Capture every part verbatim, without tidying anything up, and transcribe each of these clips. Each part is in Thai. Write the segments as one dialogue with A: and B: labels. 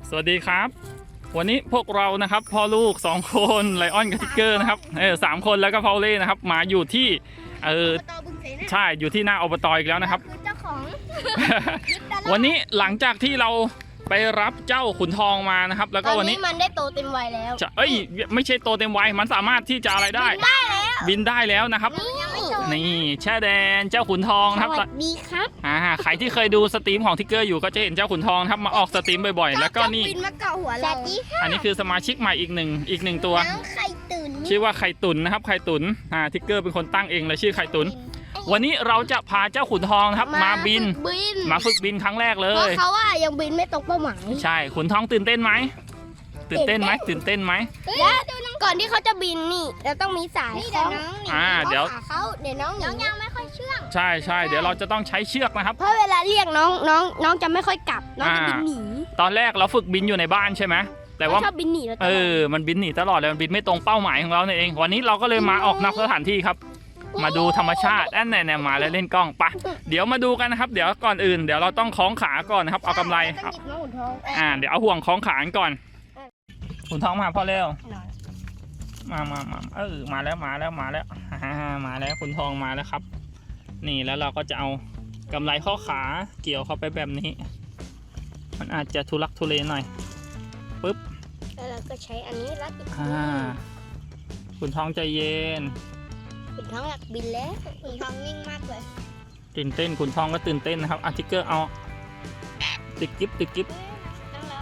A: สวัสดีครับวันนี้พวกเรานะครับพ่อลูกสองคนไลออนกับทิกเกอร์นะครับเออสามคนแล้วก็พอลเล่นะครับมาอยู่ที่เออใช่อยู่ที่หน้าอบตอีกแล้วนะครับ
B: เจ้าของ
A: วันนี้หลังจากที่เราไปรับเจ้าขุนทองมานะครับแล้วก็วันนี้
B: มันได้โตเต็มวัยแล้ว
A: จะเอ้ยไม่ใช่โตเต็มวัยมันสามารถที่จะอะไรได้บินได้แล้วนะครับนี่แช่แดนเจ้าขุนทองครับ
B: สวัสดีครับ
A: อ่าใครที่เคยดูสตรีมของทิกเกอร์อยู่ก็จะเห็นเจ้าขุนทองครับมาออกสตรีมบ่อยๆแล้วก็นี่
B: บินมาเกาะหัวเรา
A: อันนี้คือสมาชิกใหม่อีกหนึ่งอีกหนึ่งตัว
B: น้องไข่ตุ๋น
A: ชื่อว่าไข่ตุ๋นนะครับไข่ตุ๋นอ่าทิกเกอร์เป็นคนตั้งเองเลยชื่อไข่ตุ๋นวันนี้เราจะพาเจ้าขุนทองนะครับมาบินมาฝึกบินครั้งแรกเล
B: เพราะ
A: ย
B: เขาว่ายังบินไม่ตรงเป้าหมาย
A: ใช่ขุนทองตื่นเต้นไหมตื่นเต้นไหมตื่นเต้นไหม
B: และก่อนที่เขาจะบินนี่เราต้องมีสายเขา
A: อ่าเดี๋ยว
B: เขาเดี๋ยวน้องน้องยังไม่ค่อยเชื่อง
A: ใช่ใช่เดี๋ยวเราจะต้องใช้เชือกนะครับ
B: เพราะเวลาเรียกน้องน้องน้องจะไม่ค่อยกลับน้องจะบินหนี
A: ตอนแรกเราฝึกบินอยู่ในบ้านใช่ไหมแต่ว่า
B: ชอบบินหนีแล้ว
A: เออมันบินหนีตลอดเลยมันบินไม่ตรงเป้าหมายของเราเนี่ยเองวันนี้เราก็เลยมาออกนอกสถานที่ครับมาดูธรรมชาติอันไหนๆมาแล้วเล่นกล้องปะเดี๋ยวมาดูกันนะครับเดี๋ยวก่อนอื่นเดี๋ยวเราต้องคล้องขาก่อนนะครับเอากำไรอ่าเดี๋ยวเอาห่วงคล้องขาก่อนขุนทองมาพ่อเร็วมามามาเออมาแล้วมาแล้วมาแล้วฮ่ามาแล้วขุนทองมาแล้วครับนี่แล้วเราก็จะเอากำไรข้อขาเกี่ยวเข้าไปแบบนี้มันอาจจะทุลักทุเลหน่อยปึ๊บ
B: แล้วเราก็ใช้อันนี้รัดอีก
A: อ่าขุนทองใจเย็น
B: ขุนทองอยากบินแล้วขุนทองวิ่งมากเลย
A: ตื่นเต้นขุนทองก็ตื่นเต้นนะครับอาร์ติเกอร์เอาติดกิ๊บติดกิ๊บ
B: ต้องแล้ว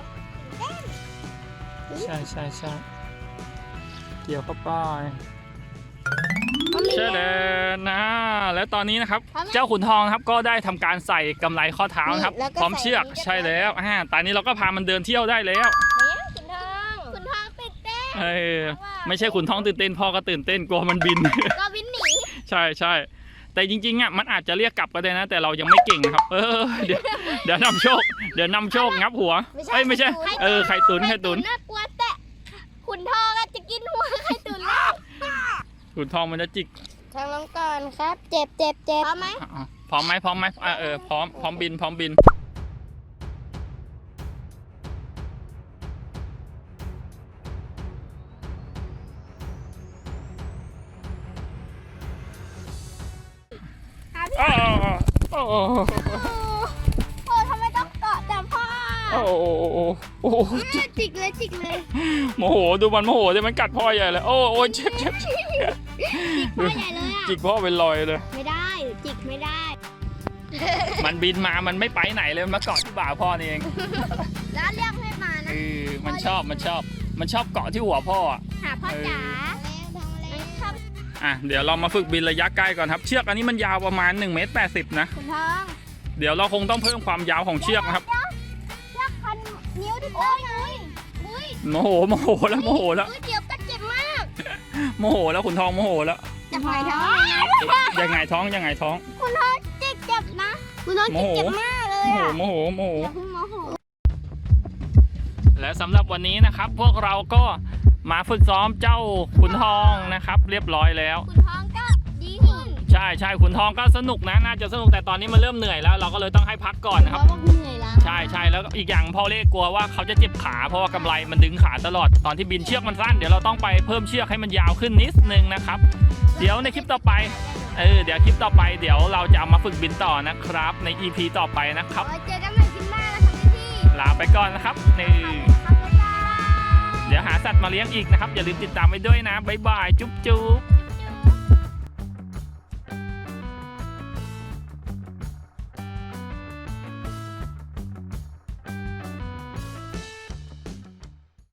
A: ใช่ใช่ใช่เกี่ยวเข้าไปเชื่อเลยนะแล้วตอนนี้นะครับเจ้าขุนทองครับก็ได้ทำการใส่กำไรข้อเท้าครับพร้อมเชือกใช่แล้วอ่าตอนนี้เราก็พามันเดินเที่ยวได้แล้ว
B: ขุนทองขุนทองตื่นเต้น
A: เออไม่ใช่ขุนทองตื่นเต้นพ่อก็ตื่นเต้นกลัวมันบิน
B: ก็บินหนี
A: ใช่ใช่แต่จริงๆอ่ะมันอาจจะเรียกกลับก็ได้นะ แต่เรายังไม่เก่งนะครับเออเดี๋ยวเดี๋ยวนำโชคเดี๋ยวนำโชคงับหัวเอ้ยไม่ใช่เออไข่ตุ๋นไข่ตุ๋น
B: น่ากลัวแต่ขุนทองจะกินหัวไข่ตุ๋นแล้ว
A: ขุนทองมันจะจิก
B: ทางน้องก่อนครับ เจ็บเจ็บเจ็บพร้อมไหม
A: พร้อมไหมพร้อมไหมอ่าเออพร้อมพร้อมบินพร้อมบินโอ้โอ้โอ้
B: โอ้ทำไมต้องเกาะแต่พ่อ
A: โอ้โอ้โอ้โอ้
B: จิกเลยจิกเลย
A: โมโหดูมันโมโหเลยมันกัดพ่อใหญ่เลยโอ้โอ้เจ็บเจ็บ
B: พ่อใหญ่เลยอ่ะ
A: จิกพ่อเป็นรอยเลย
B: ไม่ได้จิกไม่ได้
A: มันบินมามันไม่ไปไหนเลยมันมาเกาะที่บ่าพ่อนี่เอง
B: แล้วเรียกให้มา
A: เอ
B: นะ
A: อมันชอบมันชอบมันชอบเกาะที่หัวพ่ออ่ะ
B: หาพ่อจ๋าชอบ
A: อ่ะเดี๋ยวเรามาฝึกบินระยะใกล้ก่อนครับเชือกอันนี้มันยาวประมาณหนึ่งเมตรแปดสิบนะ
B: ขุนทอง
A: เดี๋ยวเราคงต้องเพิ่มความยาวของเชือกนะครับ
B: เชือกพันนิ้วที่โอ้ยอุ้ย
A: โมโหโมโหแล้วโมโหแล้ว
B: อุ้ยเจ็บก็เจ็บมาก
A: โมโหแล้วขุนทองโมโหแล้ว
B: จะหายท้อง
A: ยังไงท้องยังไงท้อง
B: คุณทองจิกเจ็บนะคุณทองจิกเจ็บมากเลย
A: โมโห
B: อ่ะ
A: โมโหโมโห
B: อย่าเพิ่งโมโห
A: และสำหรับวันนี้นะครับ พวกเราก็มาฝึกซ้อมเจ้าขุนทองนะครับ เรียบร้อยแล้ว
B: คุณทองก็ดีขึ้น
A: ใช่ใช่ขุนทองก็สนุกนะน่าจะสนุกแต่ตอนนี้มันเริ่มเหนื่อยแล้ว เราก็เลยต้องให้พักก่อนนะครับ
B: เพราะว่าเหนื่อยแล้ว
A: ใช่ใช่แล้วอีกอย่างพ่อเล่กลัวว่าเขาจะเจ็บขาเพราะว่ากำไรมันดึงขาตลอดตอนที่บินเชือกมันสั้นเดี๋ยวเราต้องไปเพิ่มเชือกให้มันยาวขึ้นนิดนึงนะครับเดี๋ยวในคลิปต่อไปเออเดี๋ยวคลิปต่อไปเดี๋ยวเราจะเอามาฝึกบินต่อนะครับใน อี พี ต่อไปนะครับ
B: เจอกันใหม่คลิปหน้านะคะพี่
A: ลาไปก่อนนะครับนี่เดี๋ยวหาสัตว์มาเลี้ยงอีกนะครับอย่าลืมติดตามไว้ด้วยนะบ๊ายบายจุ๊บจุ๊บ